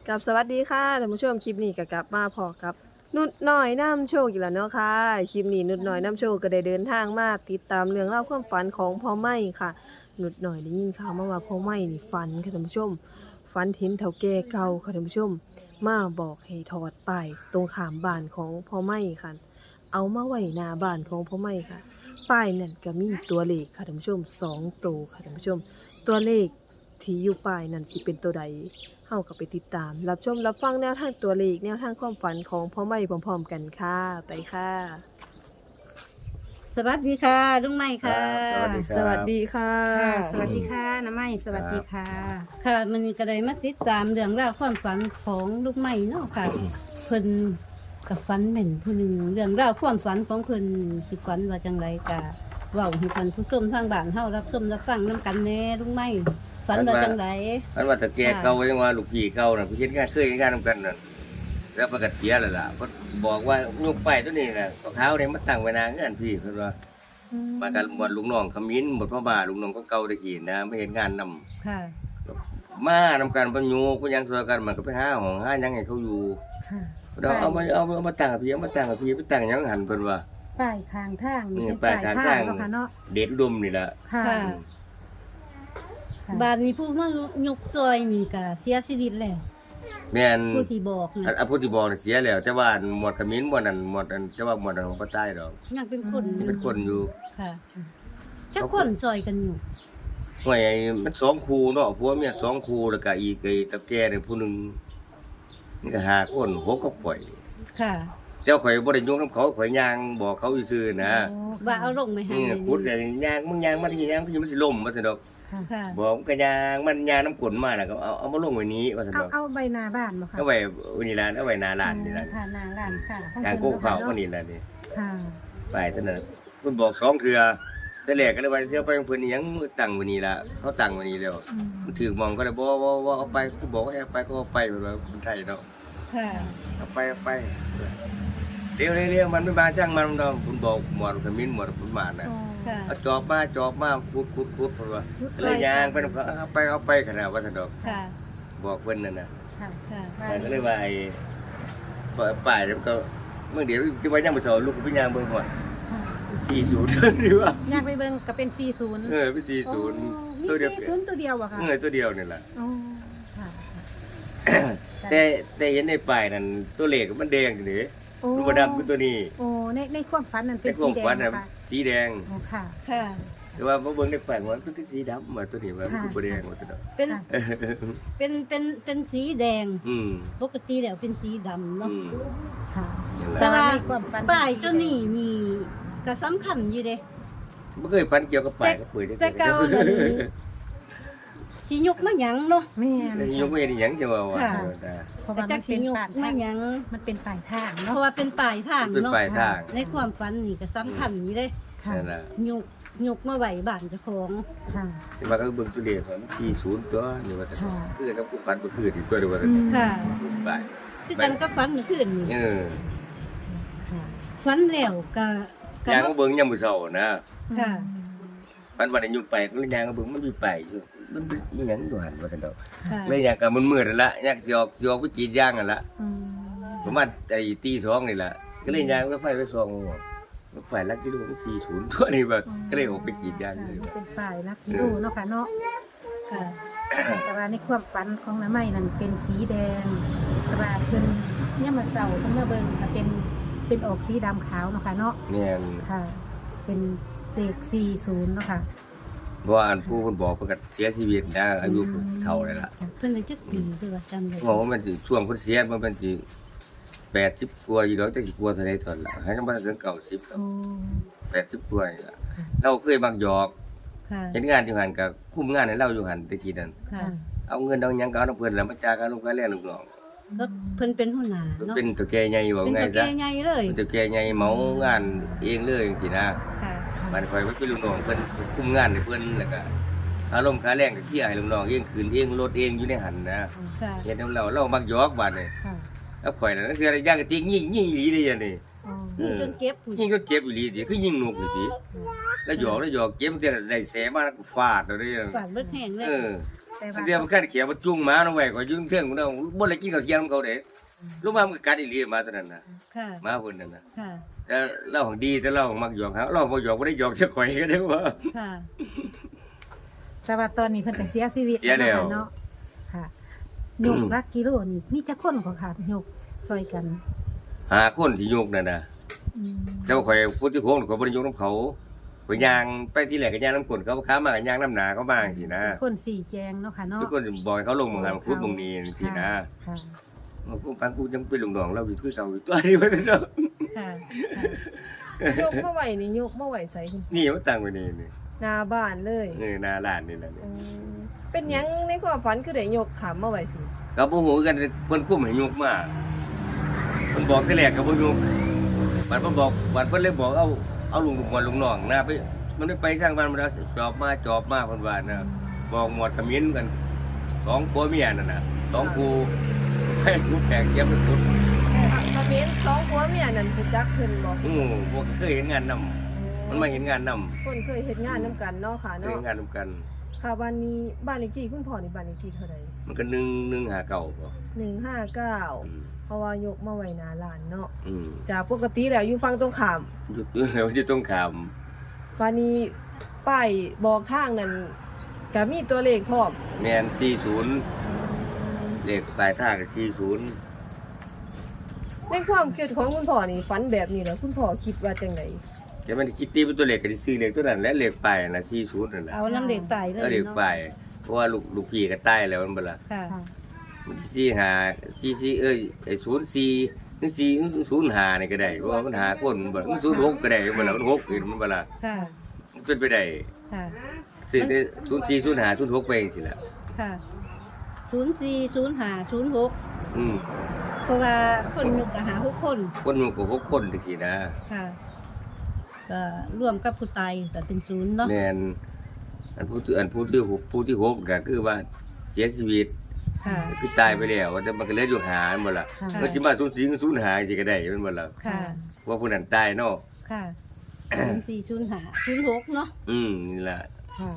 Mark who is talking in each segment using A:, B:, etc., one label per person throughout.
A: กับสวัสดีค่ะท่านผู้ชมคลิปนี้ก็กลับมาพอกับนุดน้อยน้ำโชคอีกแล้วเนาะค่ะคลิปนี้นุดน้อยน้ำโชคก็ได้เดินทางมาติดตามเรื่องเล่าวความฝันของพ่อไม่ค่ะนุดน้อยได้ยินข่าวมาว่าพ่อไม่นี่ฝันค่ะท่านผู้ชมฝันเห็นเฒ่าแก่เก่าค่ะท่านผู้ชมมาบอกให้ถอดป้ายตรงขามบ้านของพ่อไม่ค่ะเอามาไว้หน้าบ้านของพ่อไม่ค่ะป้ายนั่นก็มีตัวเลขค่ะท่านผู้ชม2ตัวค่ะท่านผู้ชมตัวเลขที่อยู่ป้ายนั่นสิเป็นตัวใด เฮาก็ไปติดตามรับชมรับฟังแนวทางตัวเลขแนวทางความฝันของพ่อไม่พร้อมๆกันค่ะไปค่ะ
B: สวัสดีค่ะลุงไม้ค่ะ
A: สวัสดีค่ะ
C: ค่ะสวัสดีค่ะน้าไม้สวัสดีค่ะ
B: ค่ะมันนี้ก็ได้มาติดตามเรื่องราวความฝันของลุงไม้เนาะค่ะ เพิ่นกับฝันแม่นผู้หนึ่งเรื่องราวความฝันของเพิ่นสิฝันว่าจังไรกะเว้าให้ท่านผู้ชมทางบ้านเฮารับชมรับฟังนํกันแน่ลุงไม้ฝันว่าจังไร
D: อันว่าแต่แกเก่ายังว่าลูกพี่เก่าน่ะเพิ่นเฮ็ดงานเคยเฮ็ดงานนำกันนั่นแล้วประกาศเสียแล้วล่ะเพิ่นบอกว่าลูกไฟตัวนี้น่ะของเท้าเนี่ยมาตั้งไว้หน้าเฮือนพี่เพิ่นว่ามากันหมดลูกน้องขมิ้นหมดพ่อบ้านลูกน้องก็เก่าตะกี้นะมาเฮ็ดงานนำ
B: ค่ะ
D: มานำกันบ่อยู่ก็ยังซอยกันมันก็ไปหาห้องหาหยังให้เขาอยู่
C: ค่ะ
D: เราเอามาตั้งกับพี่เอามาตั้งกับพี่ไปตั้งหยังหันเพิ่นว่า
C: ป้ายข้างทาง
D: นี่
C: เป็น
D: ป้า
C: ป้าย ย
D: ข้าง
C: ทา
D: ทาง ง
C: เนาะค่ะเนาะ
D: เด็ดดุมนี่ล่ะ
C: ค่ะ
B: ค่ะ บ้านนี้ผู้มายกซอยนี่ก็เสียชีวิตแล้ว
D: แม่น
B: ผู้ที่บอกนะ
D: อันผู้ที่บอกน่ะเสียแล้วแต่ว่าหมวดขมิ้นหมวดนั้นหมวดอันแต่ว่าหมวดนั้นของบ่ตายดอก
B: ยังเป็นคน
D: ยังเป็นคนอยู่
B: ค่ะจักคนซอยกันอยู่
D: ห่วยมัน2คู่เนาะผัวเมีย2คู่แล้วก็อีกไอ้ตะแก่นี่ผู้หนึงนี่ก็5คน6กับข่อย
B: ค่ะ
D: แต่ข่อยบ่ได้ยุ่งนำเขาข่อยย่างบอกเขาซื่อๆนะ
C: โอ้
B: ว่าเอาลงไหมฮะ
D: พูดแต่ย่างมึงย่างมาที่ย่างพี่มันสิล่มว่าซั่นดอก
C: ค่ะ
B: ค่ะ
D: บอกมันก็ย่างมันย่างน้ำกลนมาแล้วก็เอามาลงไว้นี้ว่าซั่นดอก
C: เอาใบหนาบ้านบ่ค่ะ
D: เอาไว้นี่ล่ะเอาไว้หน้าร้านนี่ล่ะ
C: ค่ะหนาร้านค่ะ
D: ทางโกเขาก็นี่ล่ะนี่
C: ค่ะ
D: ไปเท่านั้นเพิ่นบอก2เทื่อแต่แรกก็เลยว่าเดี๋ยวไปของเพิ่นนี่ยังตั้งไว้นี่ล่ะเขาตั้งไว้นี่แล้ว
C: อืม
D: มันถือมองก็เลยบ่เอาไปกูบอกว่าให้เอาไปก็เอาไปเพิ่นว่าคนไทยเนาะ
B: ค่ะ
D: เอาไปเร็วมันไม่มาจ้างมันดอกคุณบอกหมวดขมิ้นหมวดคุณหมานนะ
C: โอ้
B: ค่ะ
D: เอาจอบมาขุดเพิ่นว่าเลยยางไปนำเขาเอาไปขนาดว่าซั่นดอก
B: ค่ะ
D: บอกเพิ่นนั่นน่ะ
C: ค่ะ
B: ค่ะ
D: มันก็เลยว่าไอ้ป้ายมันก็เมื่อเดี๋ยวที่ว่ายังบ่สอนลูกก็ไปย่างเบิ่งก่อน
C: ค่ะ
D: 40ดีว่า
C: อยากไปเบิ่งก็เป็น40
D: ไป40
C: มี
D: ตัวเดียว
C: 40ตัวเดียวบ่ค่ะ
D: ตัวเดียวนี่ล่ะ
C: โอ้ค่ะ
D: แต่เห็นในป้ายนั่นตัวเลขมันแดงอยู่นี่
C: โอ้
D: มันบ่ดำคือตัวนี้
C: โอ้ในความฝันนั่นเป็
D: แต่
C: น
D: ขอ
C: สี
D: ง
C: แด
D: ฝั
C: ง
D: นน่ะ
C: ค่ะ
D: สีแดง
C: โอ้ค่ะ
B: ค่ะ
D: แต่ว่าบ่เบิ่งในแปลงมันเป็นสีดำมาตัวนี้ว่ามันคือบ่แดงว่าตัวนั้น
B: เป็น
C: ค่ะ
B: เป็นสีแดง
D: อืม
B: ปกติแล้วเป็นสีดำเนาะ
D: อืม
C: ค่ะ
D: นั่นแห
B: แต่
D: ละ
B: ว่า
C: ในความฝัน
B: ป้ายตัวนี้นี่ก็สำคัญอยู่เด้
D: บ่เคยฝันเกี่ยวกับป้ายกับปุ๋ย
B: แต่เก่านั่นสิยกมาหยังเนาะ
C: แม่น
D: ยกเว้นหยังจังว่าว่า
B: ค่ะ
C: เพราะ
B: แต่
C: ว่า
B: จั
C: มั
B: ก
C: น
B: สิ
C: เป็น
B: ยก
C: ป่าย
B: มา
C: ทาง
B: หยัง
C: มันเป็นป่ายทาง
B: เพ
C: เนาะ
B: ราะว่าเป็นป้ายทาง
D: เป็น
B: เนาะ
D: ป้ายทาง
B: ในความฝันนี่ก็สำคัญอยู่เด้
C: ค่ะ
D: นั่นล่ะ
B: ยกมาไว้บ้านเจ้าของ
C: ค่ะ
D: แต่ว่าก็เบิ่งตัวเลขมัน40ตัวนี่ว่าแต่
C: ค่ะ
D: คือกับผู้ฝันบ่คืออีกตัวเดียวว่าแต่
B: ค่ะ
D: ป้าย
B: คือกันกับฝันเมื่อคืนนี่
D: เออ
C: ค่ะ
B: ฝันแล้วก็ก็
D: ยาง
B: มา
D: มาเบิ่งยามมื้อเช้านะ
B: ค่ะ
D: ฝันว่าได้ยุกไปก็เลยยางมาเบิ่งมันมีป้ายอยู่มันเป็นอีหยังอยู่หั่นว่าซั่นดอก
B: ค่ะ
D: เลยยางก็มันมืดนั่นล่ะยางสิออกไปกรีดยางนั่นล่ะ
C: อืม
D: ประมาณไอ้ตีสองนี่แหละก็เลยยางก็ไฟไปส่องไฟลักกิโลมัน40ตัวนี่แบบก็เลยออกไปกรีดยางเลย
C: มันเป็นป่ายนักกิโลเนาะค่ะเนาะ
B: ค่ะ
C: แต่ว่าในความฝันของน้าไม้นั่นเป็นสีแดงแต่ว่าเพิ่นเนี่ยามมาเสาเพิ่นมาเบิ่งก็เป็นออกสีดำขาวเนาะค่ะเนาะ
D: แม่น
C: ค่ะ เป็นเลข40เนาะค่ะ
D: เพราะว่าอันผู้เพิ่นบอกเพิ่นก็เสียชีวิตนะอายุเท่าเลยล่ะ
B: เพิ่นได้จักปีคือว่าจำได้
D: บอกว่ามันสิช่วงเพิ่นเสียมันเป็นสิ80กว่าอยู่ดอกจักสิกว่าเท่าใดตอนละให้ยังบ่ถึง90
C: โอ้
D: 80กว่านี่ล่ะเราเคยมักหยอก
B: ค่ะ
D: เฮ็ดงานอยู่หั่นก็คุมงานให้เราอยู่หั่นตะกี้นั่น
B: ค่ะ
C: ค่ะ
D: เอาเงินเอาหยังก็เอานำเพิ่นแล้วมาจ่ายค่าลงค่าแรงลูกน้อง
B: แล้วเพิ่นเป็นหัวหน้าเนาะ
D: เป็นตัวแก่ใหญ่ว่า
B: เป็น
D: ไง
B: ตัว
D: ซะ
B: แก่ใหญ่เลย
D: เป็นตัวแก่ใหญ่เหมางานเองเลยจังซี่นะ
B: ค่ะ
D: มันคอยไว้เป็นลูกน้องเพิ่นคุมงานให้เพิ่นแล้วก็อารมณ์ค่าแรงก็เคลียร์ให้ลูกน้องเองคืนเองรถเองอยู่ในหันนะ
B: ค่ะ
D: เฮ็ดนำเรามักหยอกบาดนี่
C: ค่ะ
D: แล้วข่อยน่ะนั่นคืออะไรย่างกะติยิงอีหลีเด้ยันนี่
C: อ๋อ
B: นี่จนเก็บผู้
D: ยิงก็เจ็บอีหลีติคือยิงนกนี่ติแล้วหยอกเจ็บมันจะได้แสมาฟาดเอาเด้
B: ฝาดเบิดแห้งเลย
D: เออ
C: แต่ว่า
D: เดี๋ยวมันคันเขียวมันจุงหมาเอาไว้ก็ยุ่งเทิงมันเอาบ่ได้กินข้าวเที่ยงของเขาเด้ลูกมามันก็กัดอีหลีหมาตัวนั้นน่ะ
B: ค่ะ
D: หมาเพิ่นนั่นน่ะ
B: ค่ะ
D: แต่เราของดีแต่เราของมักหยอกเขาเราบ่หยอกบ่ได้หยอกจะข่อยก็ได้ว่า
B: ค่ะ
C: แต่ว่าตอนนี้เพิ่นก็เสียชีวิต
D: เสียแล้ว
C: เนาะค่ะยกรักกิโลนี่มีจักคนก็ค่ะยกช่วยกัน
D: หาคนที่ยกนั่นน่ะ
C: อืม
D: แต่ว่าข่อยผู้ที่โค้งข่อยบ่ได้ยกนํเขาข่อยย่างไปที่แรกก็ย่างน้ำกลนเขาค้ามาก็ย่างน้ำหนาเขาบ้างสินะ
C: คนสี่แจงเนาะค่ะเนาะ
D: ทุกคนบอกให้เขาลงมือหันคุดลงนี้สินะ
C: ค่ะ
D: มันกูฟังกูยังเป็นลุงน้องเราอยู่คือเก่าอยู่ตัวนี้ว่าเนาะ
B: ค่ะ
A: ยกมาไหวนี่ยกมาไหวใส่คุณ
D: นี่มันตั้งไว้นี่นี่
A: หน้าบ้านเลย
D: หน้าร้านนี่แหละนี่
A: อืมเป็นหยังในความฝันคือได้ยกขามมาไหวพี่
D: ก็บ่ฮู้กันเพิ่นคุมให้ยกมาเพิ่นบอกแต่แรกก็บ่ยกบัดเพิ่นบอกบัดเพิ่นเลยบอกเอาลุงลุงน้องนะไปมันไม่ไปสร้างบ้านมันจอบมาเพิ่นว่านะบอกหมดขมิ้นกันสองผัวเมียนั่นน่ะสองคู่ให้กูแปลกเสียมันสุด
A: คอมเมนต์สองผัวเมียนั่นคือจักเพิ่นบ่
D: พวกเคยเห็นงานนำมันมาเห็นงานนำ
A: คนเคยเฮ็ดงานนํกันเนาะค่ะ
D: เคย
A: เนาะ
D: เห็นงานนำกัน
A: ค่ะบ้านนี้บ้านเลขที่คุณพ่อนี่บ้านเลขที่เท่าใด
D: มันก็1หาเก่าบ่
A: 159เพราะว่ายกมาไว้หน้าร้านเนาะ
D: อืม
A: จากปกติแล้วอยู่ฝั่งตรงข้าม
D: อยู่ตรงขาม
A: วันนี้ป้ายบอกทางนั้นก็มีตัวเลขพร้อม
D: แม่น40เลขปลายทางก็40
A: ในความคิดของคุณพ่อนี่ฝันแบบนี้แล้วคุณพ่อคิดว่าจังได
D: แต่มันคิดตีเป็นตัวเลขก็สิซื้อเลขตัวนั้นและเลขปลายน่ะ40นั่นแหละ
B: เอาน้ำเด็กตายเลย
D: เอาเลขปลา
B: เนาะ
D: ยเพราะว่าลูกพี่ก็ตายแล้วมันบ่ล่ะ
B: ค่ะ
C: ค่ะ
D: มันสิ45ไอ้04ถึง405นี่ก็ได้เพราะว่ามันหาคนมันบ่ล่ะมัน06ก็ได้มันบ่ล่ะมัน6ขึ้นมันบ่ล่ะ
B: ค่ะ
D: มันเป็นไปได้
B: ค่ะ
D: ซื้อได้04 05 06ไปจังซี่ล่ะ
B: ค่ะ040506
D: อืม
B: เพราะว่าคนยกก็หา6คน
D: คนมันก็6คนจังซี่นะ
B: ค่ะก็ร่วมกับผู้ตายก็เป็น0เนาะ
D: แม่นผู้ที่6ก็คือว่าเสียชีวิต
B: ค่ะ
D: คือตายไปแล้วแต่มันก็เหลืออยู่หามันบ่ล่ะ
C: ค่ะ
D: มันสิมา05สิก็ได้มันบ่ล่ะ
B: ค่ะ
D: เพราะผู้นั้นตายเนาะ
B: ค่ะ040506เนาะ
D: นี่ล่ะ
C: ค่ะ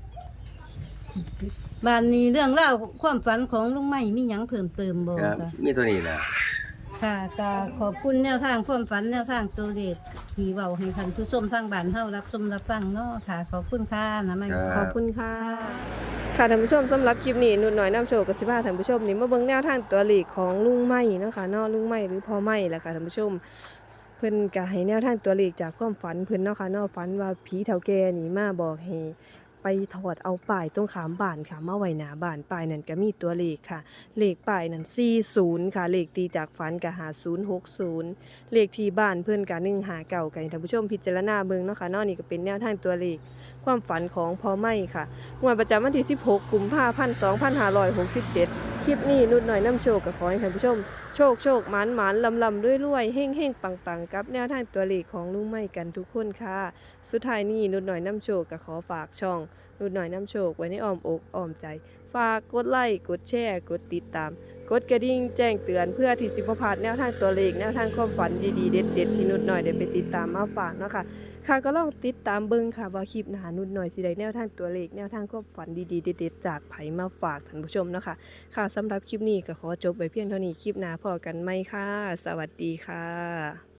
B: บ้านนี้เรื่องเล่าวความฝันของลุงไม้มีหยังเพิ่มเติมบ่
D: ครับ
B: คะ
D: มีตัวนี้ล่ะ
B: ค่ะก็ขอบคุณแนวทางความฝันแนวทางตัวเลขที่เว้าให้ท่านผู้ชมทางบ้านเฮารับชมรับฟังเนาะค่ะ ขอบคุณค่ะนะไม้
A: ขอบคุณค่ะ ค่ะท่านผู้ชมสำหรับคลิปนี้นุ่นน้อยน้ำโชว์กับสิบ้าท่านผู้ชมนี่มาเบิ่งแนวทางตัวเลขของลุงไม้เนาะค่ะเนาะลุงไม้หรือพ่อไม้แหละค่ะท่านผู้ชม เพิ่นก็ให้แนวทางตัวเลขจากความฝันเพิ่นเนาะค่ะเนาะฝันว่าผีเฒ่าแก่นี่มาบอกให้ไปถอดเอาป้ายตรงขามบ้านค่ะมาไว้หน้าบ้านป้ายนั้นก็มีตัวเลขค่ะ เลขป้ายนั้น40ค่ะเลขตีจากฝันก็5060เลขที่บ้านเพิ่นก็159ก็ให้ท่านผู้ชมพิจารณาเบิ่งเนาะค่ะเนาะนี่ก็เป็นแนวทางตัวเลขความฝันของพ่อไม้ค่ะงวดประจำวันที่16กุมภาพันธ์2567คลิปนี้นุดหน่อยน้ำโชคก็ขอให้ท่านผู้ชมโชคหมานลำรวยเฮ่งปังกับแนวทางตัวเลขของลุงไม้กันทุกคนค่ะสุดท้ายนี้นุดหน่อยน้ำโชคก็ขอฝากช่องนุดหน่อยน้ำโชคไว้ในอ้อมอกอ้อมใจ ฝากกดไลค์กดแชร์กดติดตาม กดกระดิ่งแจ้งเตือนเพื่อที่สิบ่พลาดแนวทางตัวเลขแนวทางความฝันดีๆเด็ดๆที่นุดหน่อยได้ไปติดตามมาฝากเนาะค่ะค่ะก็ลองติดตามเบิ่งค่ะว่าคลิปหน้านุดหน่อยสิได้แนวทางตัวเลขแนวทางความฝันดีๆเด็ดๆจากไผมาฝากท่านผู้ชมเนาะค่ะค่ะสำหรับคลิปนี้ก็ขอจบไว้เพียงเท่านี้คลิปหน้าพอกันไหมค่ะสวัสดีค่ะ